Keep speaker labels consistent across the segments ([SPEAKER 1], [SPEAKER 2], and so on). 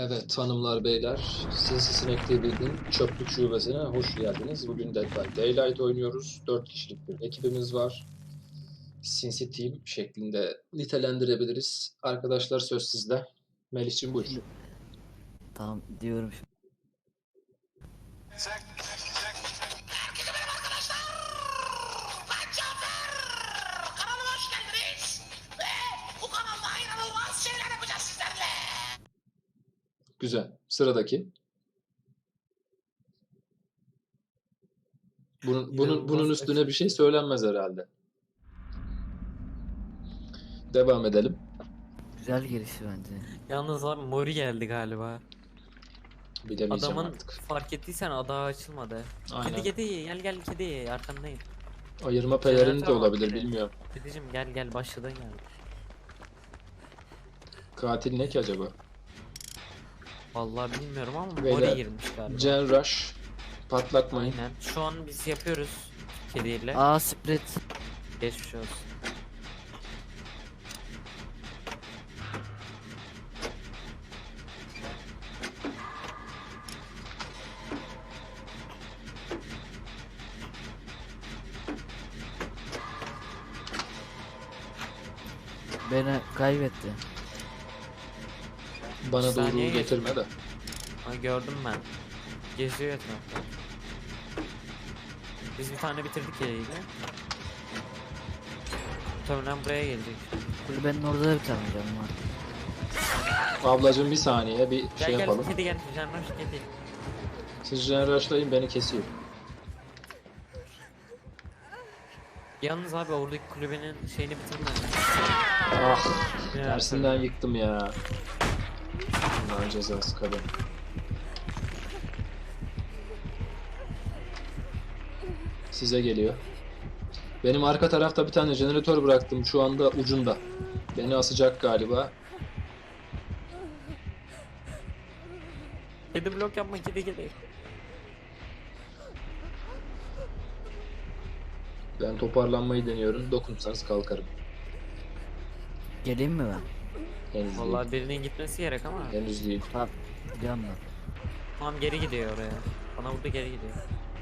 [SPEAKER 1] Evet hanımlar beyler, Sinsi Sinek TV'nin çöplük şubesine hoş geldiniz. Bugün Dead by Daylight oynuyoruz. 4 kişilik bir ekibimiz var. Sinsi Team şeklinde nitelendirebiliriz. Arkadaşlar söz sizde. Melih'cim buyur.
[SPEAKER 2] Şimdi tamam diyorum şimdi.
[SPEAKER 3] Ben Cafer! Kanalıma hoş geldiniz. Ve bu kanalda inanılmaz şeyler yapacağız sizlerle.
[SPEAKER 1] Güzel. Sıradaki. Bunun üstüne bir şey söylenmez herhalde. Devam edelim.
[SPEAKER 2] Güzel girişi bence.
[SPEAKER 4] Yalnız abi Mori geldi galiba.
[SPEAKER 1] Bilemeyeceğim
[SPEAKER 4] Adamın
[SPEAKER 1] artık.
[SPEAKER 4] fark ettiysen adağı açılmadı.
[SPEAKER 1] Aynen.
[SPEAKER 4] Kedi gel kedi arkandayım.
[SPEAKER 1] Ayırma pelerini de
[SPEAKER 4] Jeneratör var
[SPEAKER 1] olabilir
[SPEAKER 4] kedi.
[SPEAKER 1] bilmiyorum.
[SPEAKER 4] Kedicim gel başladın yani.
[SPEAKER 1] Katil ne ki acaba?
[SPEAKER 4] Vallahi bilmiyorum ama
[SPEAKER 1] Beyler,
[SPEAKER 4] Mori girmiş galiba.
[SPEAKER 1] Gen Rush. Patlatmayın.
[SPEAKER 4] Aynen. Şu an biz yapıyoruz kediyle.
[SPEAKER 2] Aa Sprit.
[SPEAKER 4] Geçmiş olsun.
[SPEAKER 2] Beni kaybetti.
[SPEAKER 1] Bana doğru
[SPEAKER 4] Saniye
[SPEAKER 1] getirme de.
[SPEAKER 4] Ha, gördüm ben. Geziyor etrafta. Biz bir tane bitirdik kediyle. Muhtemelen buraya gelecek.
[SPEAKER 2] Kulübenin orada da bir tane canım var.
[SPEAKER 1] Ablacığım bir saniye bir
[SPEAKER 4] Gel
[SPEAKER 1] şey
[SPEAKER 4] gel
[SPEAKER 1] yapalım.
[SPEAKER 4] kedi gel. Canlar kedi.
[SPEAKER 1] Siz Gen Rush'layın beni kesiyor.
[SPEAKER 4] Yalnız abi oradaki kulübenin şeyini bitirme.
[SPEAKER 1] Ah,
[SPEAKER 4] Ya,
[SPEAKER 1] tersinden yıktım ya. Allah'ın cezası kadın. Size geliyor. Benim arka tarafta bir tane jeneratör bıraktım şu anda ucunda. Beni asacak galiba.
[SPEAKER 4] Kedi blok yapma kedi.
[SPEAKER 1] Ben toparlanmayı deniyorum. Dokunsanız kalkarım.
[SPEAKER 2] Geleyim mi ben?
[SPEAKER 1] Henüz
[SPEAKER 4] Vallahi birinin gitmesi gerek ama.
[SPEAKER 1] değil. Henüz değil.
[SPEAKER 2] Tamam. Gidiyorum ben.
[SPEAKER 4] Tamam geri gidiyor oraya. Bana burada geri gidiyor.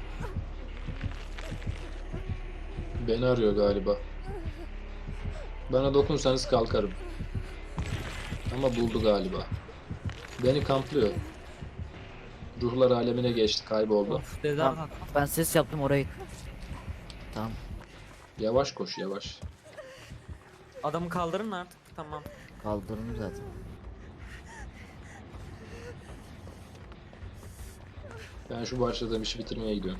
[SPEAKER 1] Beni arıyor galiba. Bana dokunsanız kalkarım. Ama buldu galiba. Beni kamplıyor. Ruhlar alemine geçti, kayboldu.
[SPEAKER 4] Of dede
[SPEAKER 2] Tamam.
[SPEAKER 4] bak.
[SPEAKER 2] Ben ses yaptım oraya. Tamam.
[SPEAKER 1] Yavaş koş, yavaş.
[SPEAKER 4] Adamı kaldırın artık. Tamam.
[SPEAKER 2] Kaldırdım zaten.
[SPEAKER 1] Ben şu başladığım işi bitirmeye gidiyorum.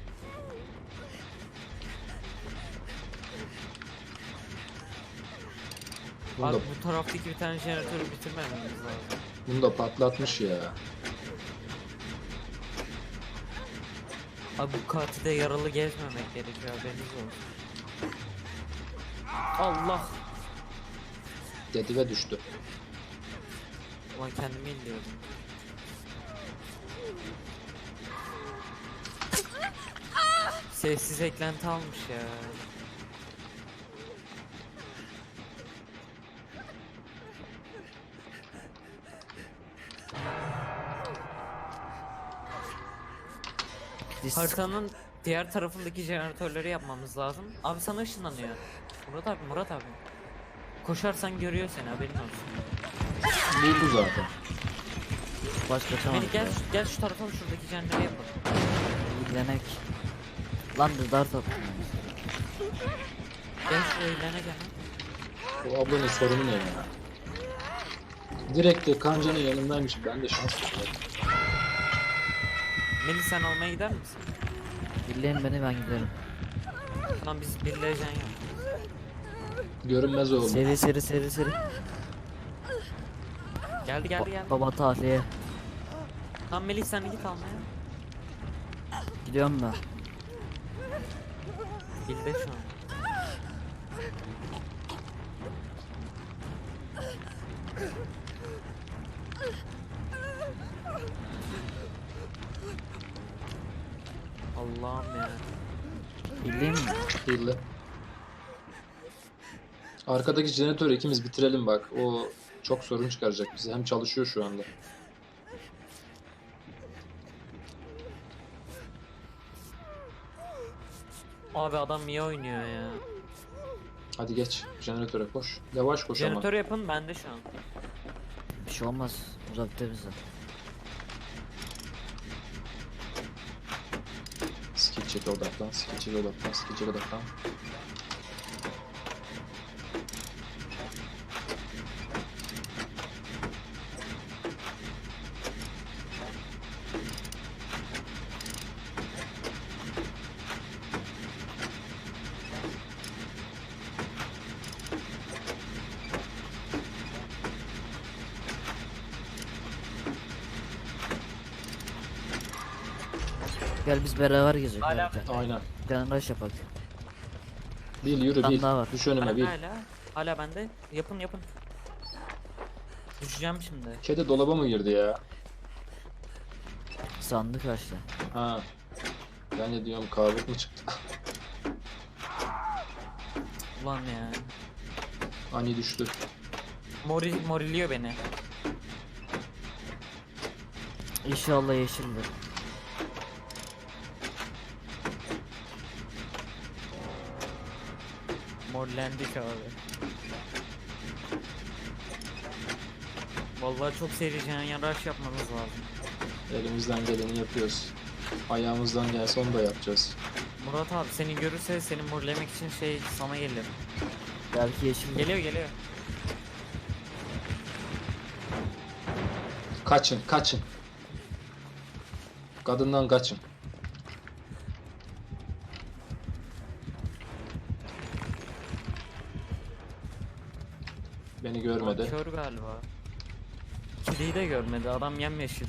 [SPEAKER 1] Bunu
[SPEAKER 4] Abi
[SPEAKER 1] da,
[SPEAKER 4] bu taraftaki bir tane jeneratörü bitirmememiz lazım.
[SPEAKER 1] bunu da patlatmış ya.
[SPEAKER 4] Abi bu katilde yaralı gezmemek gerekiyor haberiniz olsun. Allah.
[SPEAKER 1] Dedi ve düştü.
[SPEAKER 4] Ulan kendimi indiyordum. Sessiz eklenti almış ya. Haritanın diğer tarafındaki jeneratörleri yapmamız lazım. Abi sana ışınlanıyor. Murat abi. Koşarsan görüyor seni haberin olsun.
[SPEAKER 1] Buldu zaten.
[SPEAKER 2] Baş kaçamadım.
[SPEAKER 4] Beni gel şu tarafa şuradaki jeneratörü yapalım.
[SPEAKER 2] İlgilenek. Lan dart attım.
[SPEAKER 4] Gel şuraya ilerine gel.
[SPEAKER 1] Bu ablanın sorunu ne ya? Direkt de kancanın yanındaymış. Ben de şans tutmadım.
[SPEAKER 4] Melih sen almaya gider misin?
[SPEAKER 2] Birleyin beni ben giderim.
[SPEAKER 4] Tamam biz birleyeceksin ya.
[SPEAKER 1] Görünmez oldu.
[SPEAKER 2] Seri.
[SPEAKER 4] Geldi.
[SPEAKER 2] Baba tahliye.
[SPEAKER 4] Tamam Melih sen git almaya.
[SPEAKER 2] Gidiyorum ben.
[SPEAKER 4] Bilde şu an. Allah'ım ya.
[SPEAKER 2] Birleyeyim mi?
[SPEAKER 1] Hile. Arkadaki jeneratörü ikimiz bitirelim bak. O çok sorun çıkaracak bize. Hem çalışıyor şu anda.
[SPEAKER 4] Abi adam niye oynuyor ya?
[SPEAKER 1] Hadi geç. Jeneratöre koş. Yavaş koş ama.
[SPEAKER 4] Jeneratör yapın bende şu an.
[SPEAKER 2] Bir şey olmaz. Uzakta bize.
[SPEAKER 1] Skill check'e odaklan. Skill check'e odaklan. Skill check'e odaklan.
[SPEAKER 2] Gel biz beraber gezelim.
[SPEAKER 4] Hala-
[SPEAKER 1] Aynen.
[SPEAKER 2] Canraş yapak.
[SPEAKER 1] Bil yürü
[SPEAKER 2] Bir tane
[SPEAKER 1] bil.
[SPEAKER 2] daha var.
[SPEAKER 1] Düş önüme bil.
[SPEAKER 4] Hala bende. Yapın yapın. Düşeceğim şimdi.
[SPEAKER 1] Kedi dolaba mı girdi ya?
[SPEAKER 2] Sandık açtı.
[SPEAKER 1] Ha. Ben de diyorum kabuk mu çıktı?
[SPEAKER 4] Ulan ya.
[SPEAKER 1] Ani düştü.
[SPEAKER 4] Moriliyor beni.
[SPEAKER 2] İnşallah yeşildir.
[SPEAKER 4] Morlendik abi. Vallahi çok seri rush yapmamız lazım.
[SPEAKER 1] Elimizden geleni yapıyoruz. Ayağımızdan gelse onu da yapacağız.
[SPEAKER 4] Murat abi seni görürse seni morlemek için sana gelir.
[SPEAKER 2] Belki yeşildir.
[SPEAKER 4] Geliyor.
[SPEAKER 1] Kaçın, kaçın. Kadından kaçın. Beni görmedi.
[SPEAKER 4] Kör galiba. Kediyi de görmedi. Adam yemyeşil.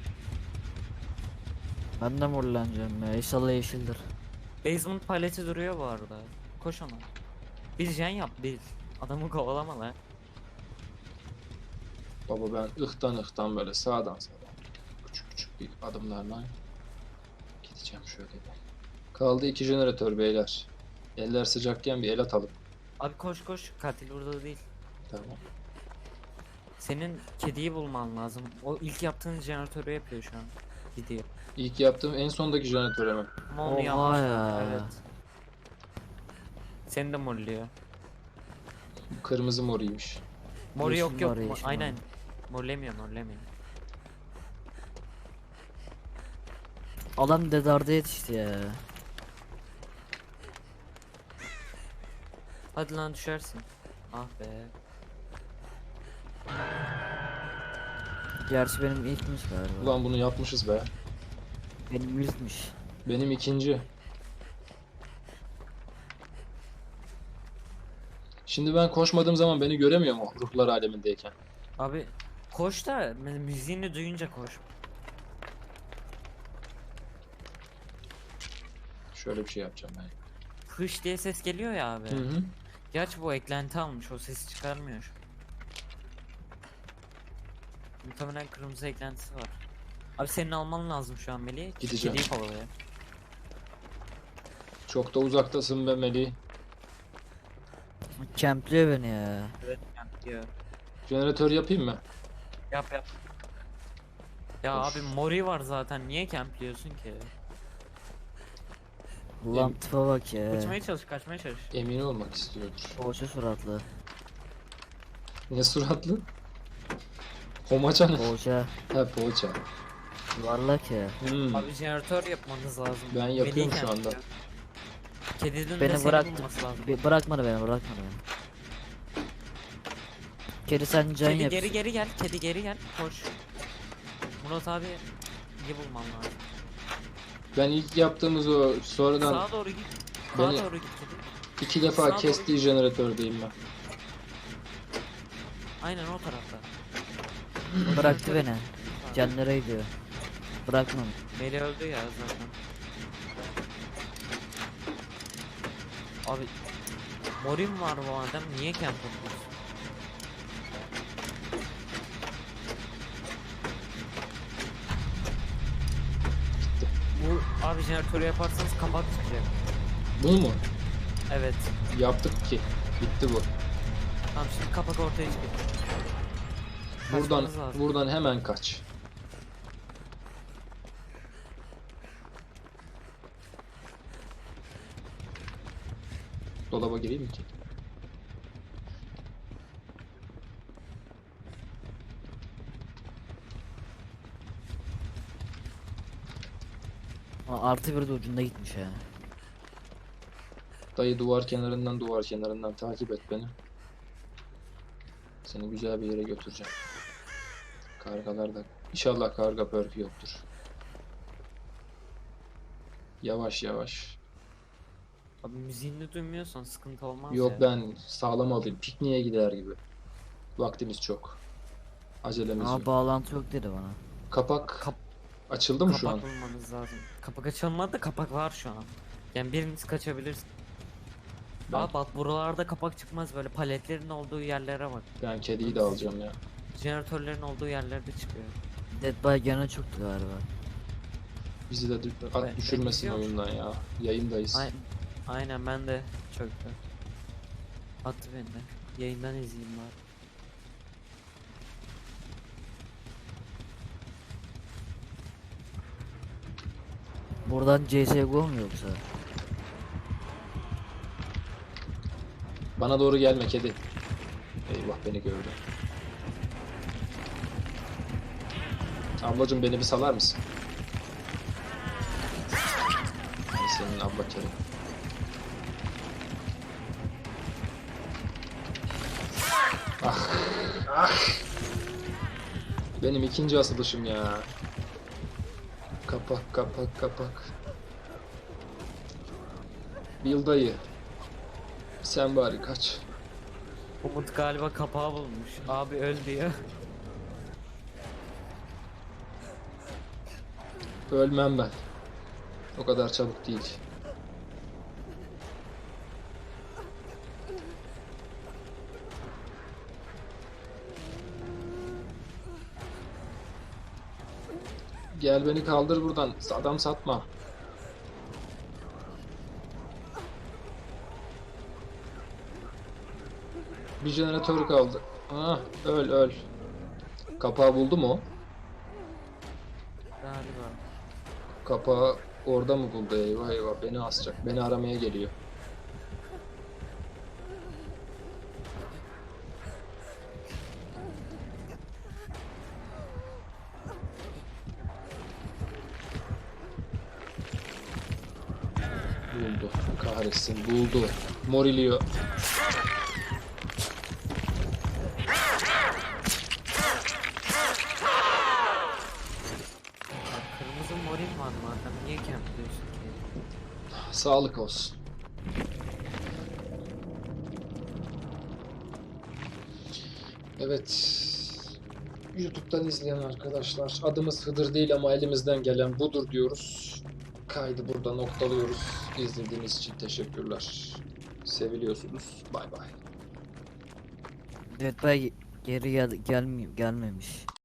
[SPEAKER 2] Ben de morlanacağım ya. İnşallah yeşildir.
[SPEAKER 4] Basement paleti duruyor bu arada. Koş ona. Bir jen yap bil. Adamı kovalama lan.
[SPEAKER 1] Baba ben ıhtan böyle sağdan küçük küçük bir adımlarla gideceğim şöyle bir. Kaldı 2 jeneratör beyler. Eller sıcakken bir el atalım.
[SPEAKER 4] Abi koş. Katil burada değil.
[SPEAKER 1] Tamam.
[SPEAKER 4] Senin kediyi bulman lazım. O ilk yaptığın jeneratörü yapıyor şu an. Gidiyor.
[SPEAKER 1] İlk yaptığım en sondaki jeneratöre mi?
[SPEAKER 4] Ama onu
[SPEAKER 2] Oha
[SPEAKER 4] yapmış.
[SPEAKER 2] ya.
[SPEAKER 4] Evet. Seni de morluyor.
[SPEAKER 1] Kırmızı moriymiş.
[SPEAKER 4] Mor
[SPEAKER 2] Yeşil
[SPEAKER 4] yok.
[SPEAKER 2] var, yeşil
[SPEAKER 4] Aynen.
[SPEAKER 2] var.
[SPEAKER 4] Morlemiyor.
[SPEAKER 2] Adam dedarda yetişti ya.
[SPEAKER 4] Hadi lan düşersin. Ah be.
[SPEAKER 2] Gerçi benim ilkmiş galiba.
[SPEAKER 1] Ulan bunu yapmışız be.
[SPEAKER 2] Benim ilkmiş.
[SPEAKER 1] Benim ikinci. Şimdi ben koşmadığım zaman beni göremiyor mu ruhlar alemindeyken?
[SPEAKER 4] Abi koş da müziğini duyunca koş.
[SPEAKER 1] Şöyle bir şey yapacağım ben.
[SPEAKER 4] Hış diye ses geliyor ya abi.
[SPEAKER 1] Hı hı.
[SPEAKER 4] Gerçi bu eklenti almış, o sesi çıkarmıyor. Muhtemelen kırmızı eklentisi var. Abi senin alman lazım şu an Melih.
[SPEAKER 1] Gideceğim.
[SPEAKER 4] Kediyi kovalıyor.
[SPEAKER 1] Çok da uzaktasın be Melih.
[SPEAKER 2] Kempliyor beni ya.
[SPEAKER 4] Evet diyor.
[SPEAKER 1] Jeneratör yapayım mı?
[SPEAKER 4] Yap. Ya
[SPEAKER 1] Koş.
[SPEAKER 4] abi mori var zaten, niye campliyorsun ki?
[SPEAKER 2] Ulan tipe bak ya.
[SPEAKER 4] Kaçmaya çalış.
[SPEAKER 1] Emin olmak istiyordur.
[SPEAKER 2] Poğaça suratlı.
[SPEAKER 1] Ne suratlı? Homaça ne?
[SPEAKER 2] Poğaça.
[SPEAKER 1] He poğaça.
[SPEAKER 2] Yuvarlak ya.
[SPEAKER 4] Abi jeneratör yapmanız lazım.
[SPEAKER 1] Ben yapıyorum
[SPEAKER 4] Melih
[SPEAKER 1] şu anda.
[SPEAKER 4] campliyor. Kedinin de
[SPEAKER 2] Beni
[SPEAKER 4] seni
[SPEAKER 2] bıraktı.
[SPEAKER 4] bulması lazım.
[SPEAKER 2] Bırakmadı beni. Kedi sen can
[SPEAKER 4] Kedi
[SPEAKER 2] yap.
[SPEAKER 4] geri gel. Kedi geri gel. Koş. Murat abi iyi bulman lazım.
[SPEAKER 1] Ben ilk yaptığımız o sonradan
[SPEAKER 4] Sağa doğru git. Sağa
[SPEAKER 1] Beni-
[SPEAKER 4] doğru git kedi.
[SPEAKER 1] 2 defa
[SPEAKER 4] Sağa doğru
[SPEAKER 1] kestiği jeneratördeyim ben.
[SPEAKER 4] Aynen o tarafta.
[SPEAKER 2] Bıraktı beni. Canlara gidiyor. Bırakmam.
[SPEAKER 4] Meli öldü ya zaten. Abi Morim var bu adam, niye camp yapıyorsun? Bu abi jeneratörü yaparsanız kapak çıkacak.
[SPEAKER 1] Bunu mu?
[SPEAKER 4] Evet.
[SPEAKER 1] Yaptık ki. Bitti bu.
[SPEAKER 4] Tamam şimdi kapak ortaya çıkacak.
[SPEAKER 1] Buradan
[SPEAKER 4] Kaçmanız lazım.
[SPEAKER 1] buradan hemen kaç. dolaba gireyim mi ki?
[SPEAKER 2] Artı bir de ucunda gitmiş ya.
[SPEAKER 1] Dayı duvar kenarından takip et beni. Seni güzel bir yere götüreceğim. Kargalar da. İnşallah karga pörfü yoktur. Yavaş yavaş.
[SPEAKER 4] Abi müziğini duymuyorsan sıkıntı olmaz
[SPEAKER 1] Yok
[SPEAKER 4] ya.
[SPEAKER 1] ben sağlam alayım. Pikniğe gider gibi. Vaktimiz çok. Acelemiz yok.
[SPEAKER 2] Bağlantı yok dedi bana.
[SPEAKER 1] Kapak
[SPEAKER 4] Kap-
[SPEAKER 1] açıldı mı şu an?
[SPEAKER 4] Kapak bulmanız lazım. Kapak açılmadı, kapak var şu an. Yani biriniz kaçabilirsin.
[SPEAKER 1] Ben-
[SPEAKER 4] Abi bak buralarda kapak çıkmaz, böyle paletlerin olduğu yerlere bak.
[SPEAKER 1] Ben kediyi de alacağım ya.
[SPEAKER 4] Jeneratörlerin olduğu yerlerde çıkıyor.
[SPEAKER 2] Dead by gene çöktü galiba.
[SPEAKER 1] Bizi de
[SPEAKER 4] Ben
[SPEAKER 1] düşürmesin
[SPEAKER 4] izliyorum.
[SPEAKER 1] oyundan ya. Yayındayız.
[SPEAKER 4] Aynen ben de çöktü. Attı beni de. Yayından izleyeyim bari.
[SPEAKER 2] Buradan CSGO mu yoksa?
[SPEAKER 1] Bana doğru gelme kedi. Eyvah beni gördü. Ablacım beni bir salar mısın? Ay senin abla kedi. Ah. Ah. Benim ikinci asılışım ya. Kapak kapak kapak. Bil dayı. Sen bari kaç.
[SPEAKER 4] Umut galiba kapağı bulmuş. Abi öl diyor.
[SPEAKER 1] Ölmem ben. O kadar çabuk değil. Gel beni kaldır buradan. Adam satma. Bir jeneratör kaldı. Ah, öl öl. Kapağı buldu mu o?
[SPEAKER 4] Galiba.
[SPEAKER 1] Kapağı orada mı buldu? Eyvah eyvah beni asacak. Beni aramaya geliyor. Buldu. Kahretsin buldu. Morilio.
[SPEAKER 4] Bak, kırmızı morin var madem. Niye kempliyorsun ki?
[SPEAKER 1] Sağlık olsun. Evet. YouTube'dan izleyen arkadaşlar, adımız Hıdır değil ama elimizden gelen budur diyoruz. Kaydı burada noktalıyoruz. İzlediğiniz için teşekkürler. Seviliyorsunuz. Bay bay.
[SPEAKER 2] Dead by geri gelmemiş.